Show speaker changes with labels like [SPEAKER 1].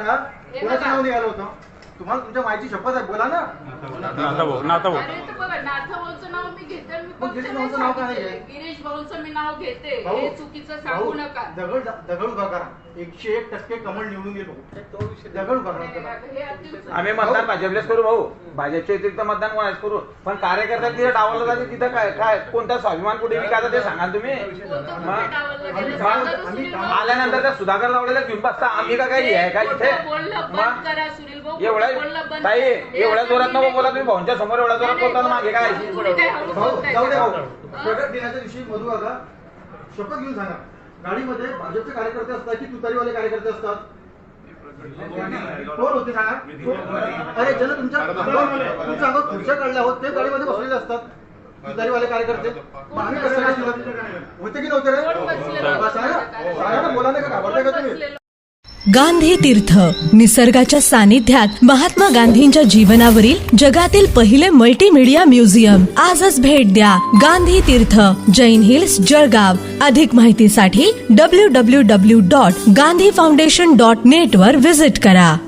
[SPEAKER 1] सांगा कोणाचं नाव निघालं होतं? तुम्हाला तुमच्या मायची शपथ आहे, बोला ना.
[SPEAKER 2] अरे तो बघा नाथा भाऊचं नाव मी घेते, मी
[SPEAKER 1] मग गिरीश भाऊचं नाव काय आहे?
[SPEAKER 2] गिरीश भाऊचं मी नाव घेते,
[SPEAKER 1] भाऊ,
[SPEAKER 2] हे चुकीचं सांगू नका.
[SPEAKER 1] दगड उभा करा, 101% कमळ निवडून येतो. दगड उभा करा.
[SPEAKER 2] हे अतिशय
[SPEAKER 3] आम्ही मतदान भाजपलेच करू भाऊ, भाजपच्या व्यतिरिक्त मतदान कोणाच करू, पण कार्यकर्ता तिथे डावलं जाते तिथं काय काय कोणता स्वाभिमान कुठे विकायचा ते सांगा तुम्ही. आल्यानंतर त्या सुधाकर लावलेल्या घेऊन बसता आम्ही का काही आहे का इथे? एवढ्या ताई एवढ्या जोरात नको बोला तुम्ही, भाऊंच्या समोर एवढ्या जोरात बोलताना मागे काय?
[SPEAKER 1] भाऊ जाऊ दे भाऊ. प्रगट दिनाच्या दिवशी मधू काका शपथ घेऊन सांगा, गाडीमध्ये भाजपचे कार्यकर्ते असतात की तुतारीवाले कार्यकर्ते असतात? कोण होते सांगा? अरे ज्यांना तुमच्या अंगावर खुर्च्या काढल्या आहोत ते गाडीमध्ये बसलेले असतात, तुतारीवाले कार्यकर्ते. आम्ही कसं काय होते की नव्हते रे? सांगा ना, बोला नाही का, घाबरताय का तुम्ही?
[SPEAKER 4] गांधी तीर्थ, निसर्गाच्या सानिध्यात महात्मा गांधींच्या जीवनावरील जगातील पहिले मल्टीमीडिया म्युझियम. आजच भेट द्या. गांधी तीर्थ, जैन हिल्स, जळगाव. अधिक माहितीसाठी www.gandhifoundation.net वर विजिट करा.